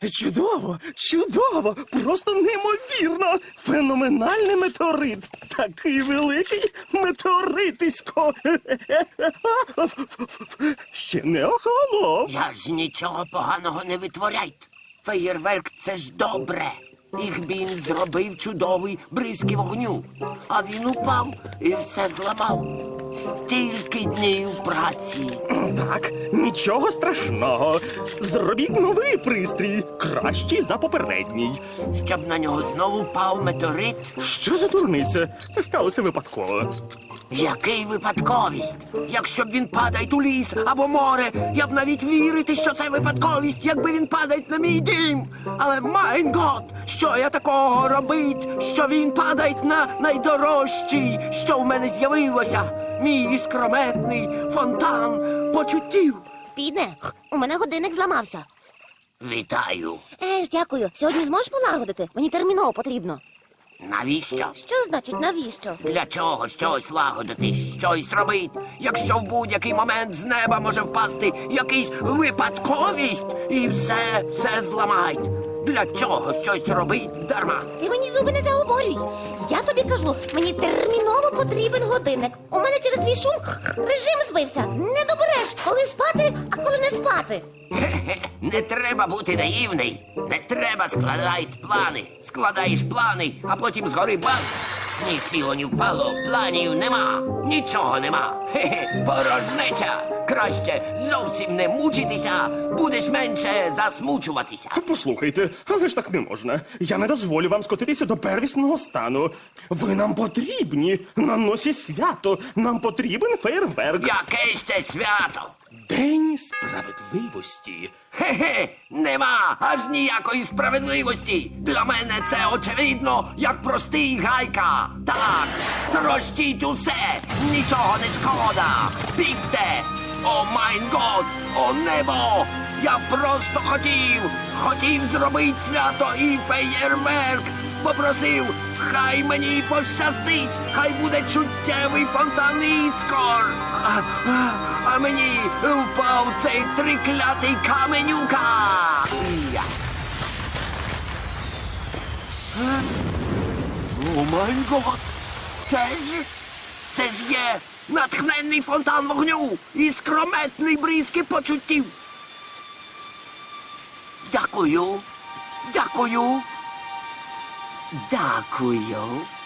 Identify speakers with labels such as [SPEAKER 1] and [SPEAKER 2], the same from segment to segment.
[SPEAKER 1] Чудово, чудово, просто неймовірно. Феноменальний метеорит. Такий великий метеоритисько. Ще не охолонув.
[SPEAKER 2] Я ж нічого поганого не витворяйте. Феєрверк – це ж добре. Ігбін зробив чудовий бризки вогню. А він упав і все зламав. Стільки днів праці.
[SPEAKER 1] Так, нічого страшного. Зробіть новий пристрій, кращий за попередній.
[SPEAKER 2] Щоб на нього знову впав метеорит.
[SPEAKER 1] Що за дурниця? Це сталося випадково.
[SPEAKER 2] Який випадковість? Якщо б він падає у ліс або море, я б навіть вірити, що це випадковість, якби він падає на мій дім. Але, майн гот, що я такого робить, що він падає на найдорожчий, що в мене з'явилося? Мій іскрометний фонтан почуттів.
[SPEAKER 3] Піде, у мене годинник зламався.
[SPEAKER 2] Вітаю.
[SPEAKER 3] Дякую. Сьогодні зможеш полагодити? Мені терміново потрібно.
[SPEAKER 2] Навіщо?
[SPEAKER 3] Що значить навіщо?
[SPEAKER 2] Для чого щось лагодити, щось робити, якщо в будь-який момент з неба може впасти якийсь випадковість і все зламають? Для чого щось робить дарма?
[SPEAKER 3] Ти мені зуби не заговорюй. Я тобі кажу, мені терміново потрібен годинник. У мене через твій шум режим збився. Не добереш, коли спати, а коли не спати.
[SPEAKER 2] Хе-хе, не треба бути наївний. Не треба складати плани. Складаєш плани, а потім згори бац. Ні сіло, ні впало, планів нема, нічого нема. Хе-хе, порожнеча. Краще зовсім не мучитися, будеш менше засмучуватися.
[SPEAKER 1] Послухайте, але ж так не можна. Я не дозволю вам скотитися до первісного стану. Ви нам потрібні. На носі свято. Нам потрібен фейерверк.
[SPEAKER 2] Яке ще свято?
[SPEAKER 1] День справедливості.
[SPEAKER 2] Хе-хе, нема аж ніякої справедливості. Для мене це очевидно, як простий гайка. Так, трощіть усе, нічого не шкода. Бігте! О майн год, о небо! Я просто хотів зробити свято і феєрверк. Попросив, хай мені пощастить, хай буде чуттєвий фонтан іскор. А мені впав цей триклятий каменюка. Я. О май гот! Це ж є натхненний фонтан вогню і скрометний бризки почуттів. Дякую. Дякую. Дякую.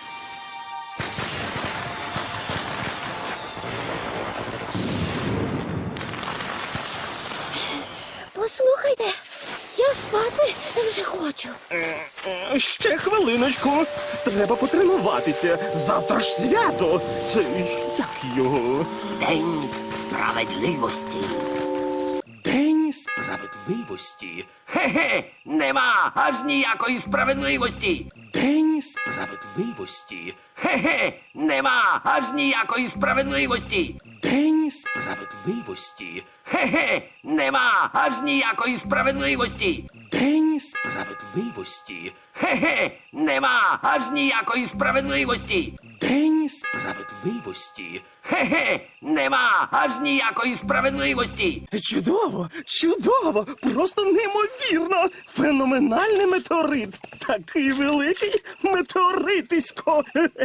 [SPEAKER 3] Послухайте, я спати вже хочу.
[SPEAKER 1] Ще хвилиночку. Треба потренуватися. Завтра ж свято. Це як його?
[SPEAKER 2] День справедливості.
[SPEAKER 1] День справедливості.
[SPEAKER 2] Хе-хе, нема аж ніякої справедливості.
[SPEAKER 1] День справедливості.
[SPEAKER 2] Хе-хе, нема аж ніякої справедливості.
[SPEAKER 1] День справедливості.
[SPEAKER 2] Хе-хе, нема аж ніякої справедливості.
[SPEAKER 1] День справедливості.
[SPEAKER 2] Хе-хе, нема аж ніякої справедливості.
[SPEAKER 1] День справедливості.
[SPEAKER 2] Хе-хе, нема аж ніякої справедливості.
[SPEAKER 1] Чудово, чудово, просто неймовірно. Феноменальний метеорит. Такий великий метеоритисько.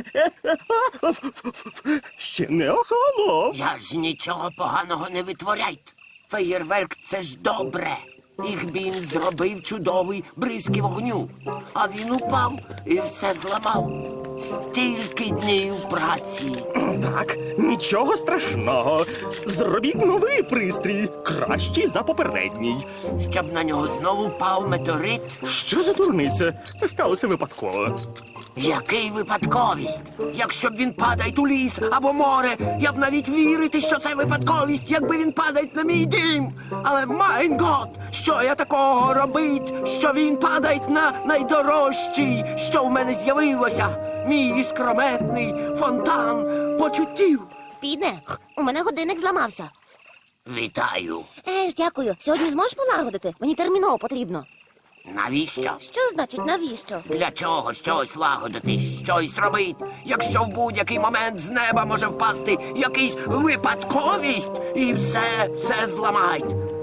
[SPEAKER 1] Ще не охолонув.
[SPEAKER 2] Я ж нічого поганого не витворяйте. Феєрверк – це ж добре. Ігбін зробив чудовий бризки вогню. А він упав і все зламав. Стільки днів праці.
[SPEAKER 1] Так, нічого страшного. Зробіть новий пристрій, кращий за попередній.
[SPEAKER 2] Щоб на нього знову впав метеорит.
[SPEAKER 1] Що за дурниця? Це сталося випадково.
[SPEAKER 2] Який випадковість? Якщо б він падає у ліс або море, я б навіть вірити, що це випадковість, якби він падає на мій дім. Але, майн гот, що я такого робить, що він падає на найдорожчий, що в мене з'явилося? Мій іскрометний фонтан почуттів.
[SPEAKER 3] Піде, у мене годинник зламався.
[SPEAKER 2] Вітаю.
[SPEAKER 3] Дякую. Сьогодні зможеш полагодити? Мені терміново потрібно.
[SPEAKER 2] Навіщо?
[SPEAKER 3] Що значить навіщо?
[SPEAKER 2] Для чого щось лагодити, щось робити, якщо в будь-який момент з неба може впасти якийсь випадковість і все зламають?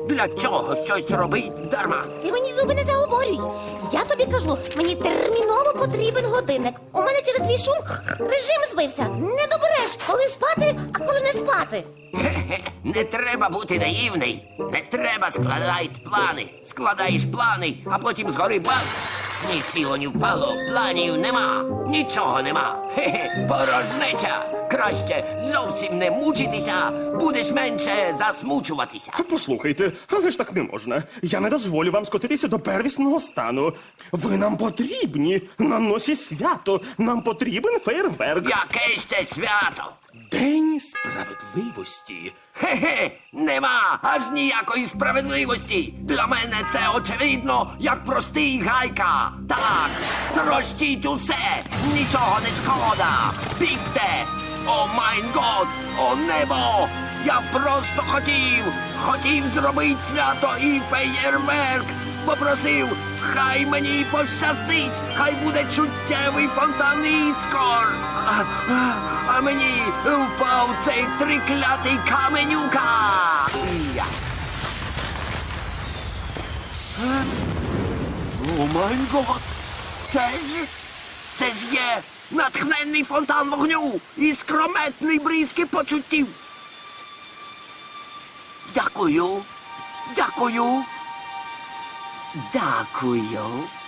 [SPEAKER 2] Для чого щось робить дарма?
[SPEAKER 3] Ти мені зуби не заговорюй. Я тобі кажу, мені терміново потрібен годинник. У мене через твій шум режим збився. Не добереш, коли спати, а коли не спати.
[SPEAKER 2] Хе-хе, не треба бути наївний. Не треба складати плани. Складаєш плани, а потім згори бац. Ні сіло, ні впало, планів нема, нічого нема. Хе-хе, порожнеча. Краще зовсім не мучитися, будеш менше засмучуватися.
[SPEAKER 1] Послухайте, але ж так не можна. Я не дозволю вам скотитися до первісного стану. Ви нам потрібні на носі свято. Нам потрібен фейерверк.
[SPEAKER 2] Яке ще свято?
[SPEAKER 1] День справедливості.
[SPEAKER 2] Хе-хе, нема аж ніякої справедливості. Для мене це очевидно, як простий гайка. Так, трощіть усе, нічого не шкода. Бігте! О майн год, о небо! Я просто хотів зробити свято і феєрверк. Попросив, хай мені пощастить, хай буде чуттєвий фонтан іскор. А мені впав цей триклятий каменюка. Я. О май гот! Це ж є натхненний фонтан вогню і скрометний бризки почуттів. Дякую. Дякую. Дякую.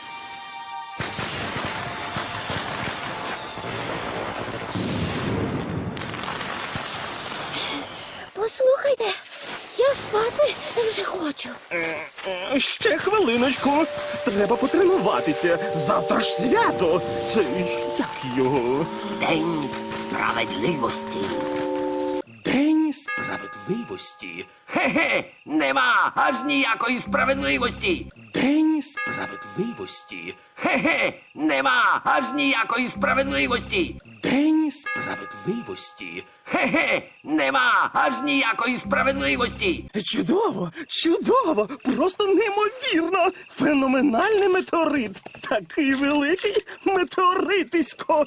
[SPEAKER 3] Послухайте, я спати вже хочу.
[SPEAKER 1] Ще хвилиночку. Треба потренуватися. Завтра ж свято. Це як його?
[SPEAKER 2] День справедливості.
[SPEAKER 1] День справедливості.
[SPEAKER 2] Хе-хе, нема аж ніякої справедливості.
[SPEAKER 1] День справедливості.
[SPEAKER 2] Хе-хе, нема аж ніякої справедливості.
[SPEAKER 1] День справедливості.
[SPEAKER 2] Хе-хе, нема аж ніякої справедливості.
[SPEAKER 1] Чудово, чудово, просто неймовірно. Феноменальний метеорит. Такий великий метеоритисько.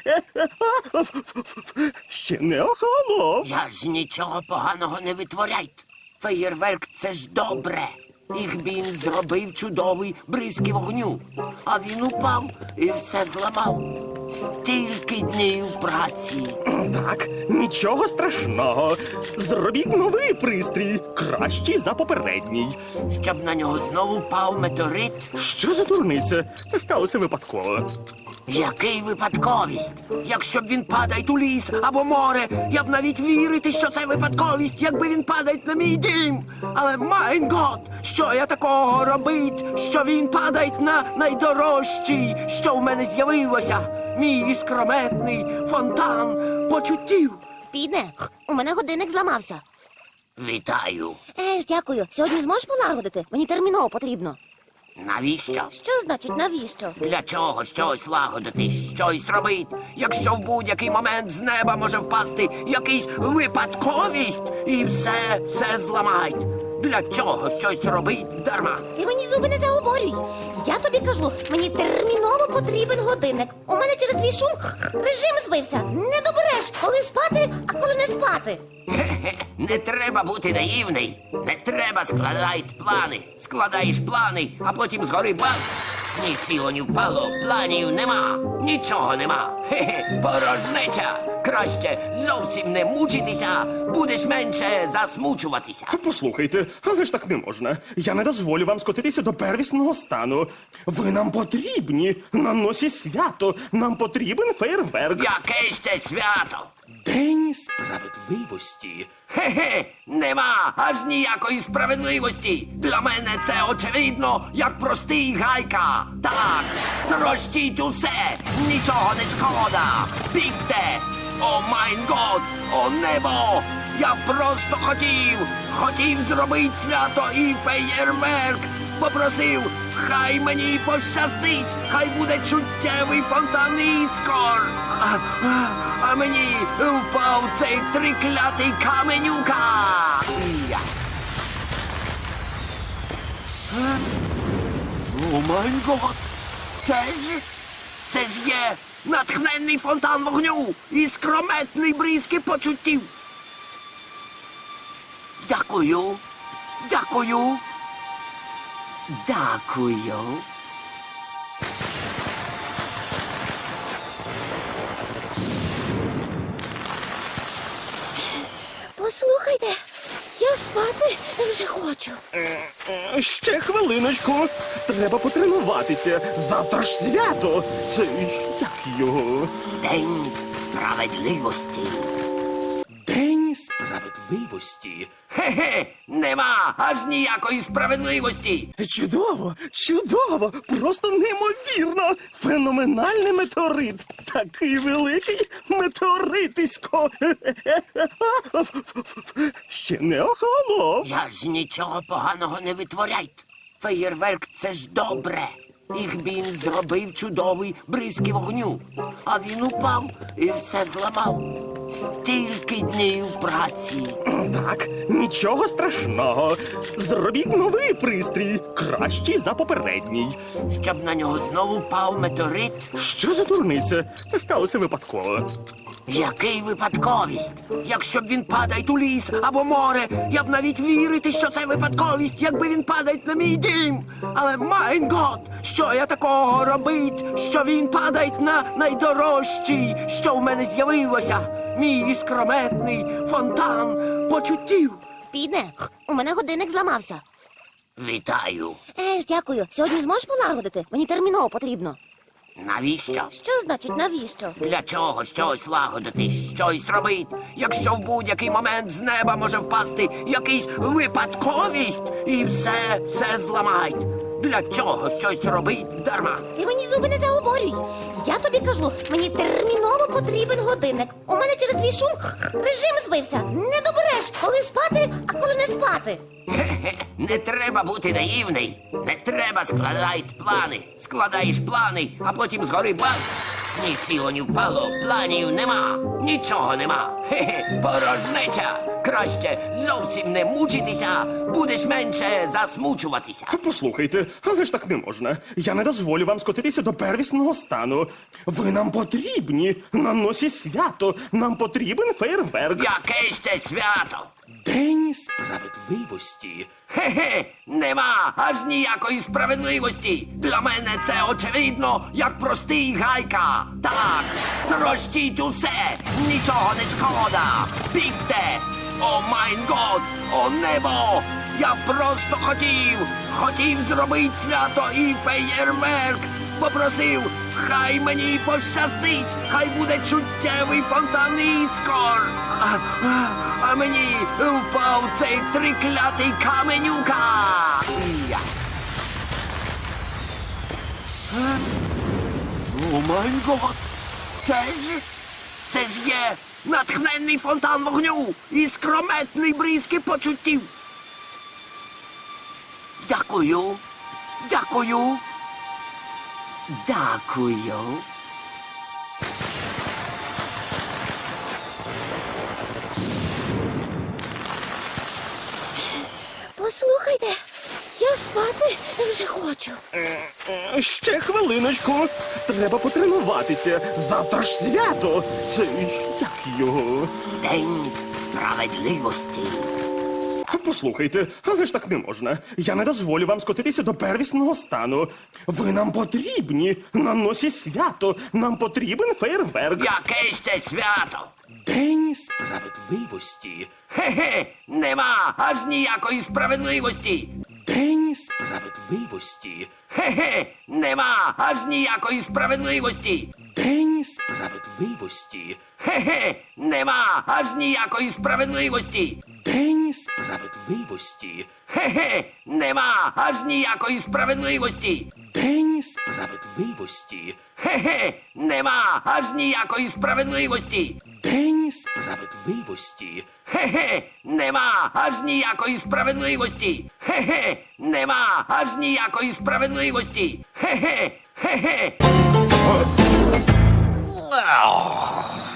[SPEAKER 1] Ще не охолонув.
[SPEAKER 2] Я ж нічого поганого не витворяйте. Феєрверк це ж добре. Їх він зробив чудовий бризки вогню. А він упав і все зламав. Стільки днів праці.
[SPEAKER 1] Так, нічого страшного. Зробіть новий пристрій, кращий за попередній.
[SPEAKER 2] Щоб на нього знову впав метеорит.
[SPEAKER 1] Що за дурниця? Це сталося випадково.
[SPEAKER 2] Який випадковість? Якщо б він падає у ліс або море, я б навіть вірити, що це випадковість, якби він падає на мій дім. Але майн гот, що я такого робить, що він падає на найдорожчий, що в мене з'явилося. Мій іскрометний фонтан почуттів.
[SPEAKER 3] Піде, у мене годинник зламався.
[SPEAKER 2] Вітаю.
[SPEAKER 3] Дякую. Сьогодні зможеш полагодити? Мені терміново потрібно.
[SPEAKER 2] Навіщо?
[SPEAKER 3] Що значить навіщо?
[SPEAKER 2] Для чого щось лагодити, щось робити, якщо в будь-який момент з неба може впасти якийсь випадковість і все зламають? Для чого щось робить дарма?
[SPEAKER 3] Ти мені зуби не заговорюй. Я тобі кажу, мені терміново потрібен годинник. У мене через твій шум режим збився. Не добереш, коли спати, а коли не спати.
[SPEAKER 2] Хе-хе, не треба бути наївний. Не треба складати плани. Складаєш плани, а потім згори бац. Ні сіло, ні впало, планів нема, нічого нема. Хе-хе, порожнеча. Краще зовсім не мучитися, будеш менше засмучуватися.
[SPEAKER 1] Послухайте, але ж так не можна. Я не дозволю вам скотитися до первісного стану. Ви нам потрібні на носі свято. Нам потрібен фейерверк.
[SPEAKER 2] Яке ще свято?
[SPEAKER 1] День справедливості.
[SPEAKER 2] Хе-хе, нема аж ніякої справедливості. Для мене це очевидно, як простий гайка. Так, трощіть усе, нічого не шкода. Бігте! О майн год, о небо! Я просто хотів зробити свято і феєрверк. Попросив, хай мені пощастить, хай буде чуттєвий фонтан іскор. А мені впав цей триклятий каменюка. Я. О май гот! Це ж є натхненний фонтан вогню і скрометний бризки почуттів. Дякую. Дякую. Дякую.
[SPEAKER 3] Послухайте, я спати вже хочу.
[SPEAKER 1] Ще хвилиночку. Треба потренуватися. Завтра ж свято. Це як його?
[SPEAKER 2] День справедливості.
[SPEAKER 1] День справедливості.
[SPEAKER 2] Хе-хе, нема аж ніякої справедливості.
[SPEAKER 1] Чудово, чудово, просто неймовірно. Феноменальний метеорит. Такий великий метеоритисько. Ще не охолонув.
[SPEAKER 2] Я ж нічого поганого не витворяйте. Феєрверк — це ж добре. Їх він зробив чудовий бризки вогню. А він упав і все зламав. Стільки днів праці.
[SPEAKER 1] Так, нічого страшного. Зробіть новий пристрій, кращий за попередній.
[SPEAKER 2] Щоб на нього знову впав метеорит.
[SPEAKER 1] Що за дурниця? Це сталося випадково.
[SPEAKER 2] Який випадковість? Якщо б він падає у ліс або море, я б навіть вірити, що це випадковість, якби він падає на мій дім. Але, майн гот, що я такого робить, що він падає на найдорожчий, що в мене з'явилося? Мій іскрометний фонтан почуттів.
[SPEAKER 3] Піде, у мене годинник зламався.
[SPEAKER 2] Вітаю.
[SPEAKER 3] Дякую. Сьогодні зможеш полагодити? Мені терміново потрібно.
[SPEAKER 2] Навіщо?
[SPEAKER 3] Що значить навіщо?
[SPEAKER 2] Для чого щось лагодити, щось робити, якщо в будь-який момент з неба може впасти якийсь випадковість і все зламають? Для чого щось робить дарма?
[SPEAKER 3] Ти мені зуби не заговорюй. Я тобі кажу, мені терміново потрібен годинник. У мене через твій шум режим збився. Не добереш, коли спати, а коли не спати.
[SPEAKER 2] Хе-хе, не треба бути наївний. Не треба складати плани. Складаєш плани, а потім згори бац. Ні сіло, ні впало, планів нема. Нічого нема. Хе-хе, порожнеча. Краще зовсім не мучитися, будеш менше засмучуватися.
[SPEAKER 1] Послухайте, але ж так не можна. Я не дозволю вам скотитися до первісного стану. Ви нам потрібні. На носі свято. Нам потрібен фейерверк.
[SPEAKER 2] Яке ще свято?
[SPEAKER 1] День справедливості.
[SPEAKER 2] Хе-хе, нема аж ніякої справедливості. Для мене це очевидно, як простий гайка. Так, трощіть усе, нічого не шкода. Бігте! О майн год, о небо! Я просто хотів зробити свято і феєрверк. Попросив, хай мені пощастить, хай буде чуттєвий фонтан іскор. А мені впав цей триклятий каменюка. Я. О май гот! Це ж є натхненний фонтан вогню і скрометний бризки почуттів. Дякую. Дякую. Дякую.
[SPEAKER 3] Послухайте, я спати вже хочу.
[SPEAKER 1] Ще хвилиночку. Треба потренуватися. Завтра ж свято. Це як його?
[SPEAKER 2] День справедливості.
[SPEAKER 1] Послухайте, але ж так не можна. Я не дозволю вам скотитися до первісного стану. Ви нам потрібні. На носі свято. Нам потрібен фейерверк.
[SPEAKER 2] Яке ще свято?
[SPEAKER 1] День справедливості.
[SPEAKER 2] Хе-хе, нема аж ніякої справедливості.
[SPEAKER 1] День справедливості.
[SPEAKER 2] Хе-хе, нема аж ніякої справедливості.
[SPEAKER 1] День справедливості.
[SPEAKER 2] Хе-хе, нема аж ніякої справедливості.
[SPEAKER 1] День справедливості.
[SPEAKER 2] Хе-хе, нема аж ніякої справедливості.
[SPEAKER 1] День справедливості.
[SPEAKER 2] Хе-хе, нема аж ніякої справедливості.
[SPEAKER 1] День справедливості.
[SPEAKER 2] Хе-хе, нема аж ніякої справедливості. Хе-хе, нема аж ніякої справедливості. Хе-хе, хе-хе.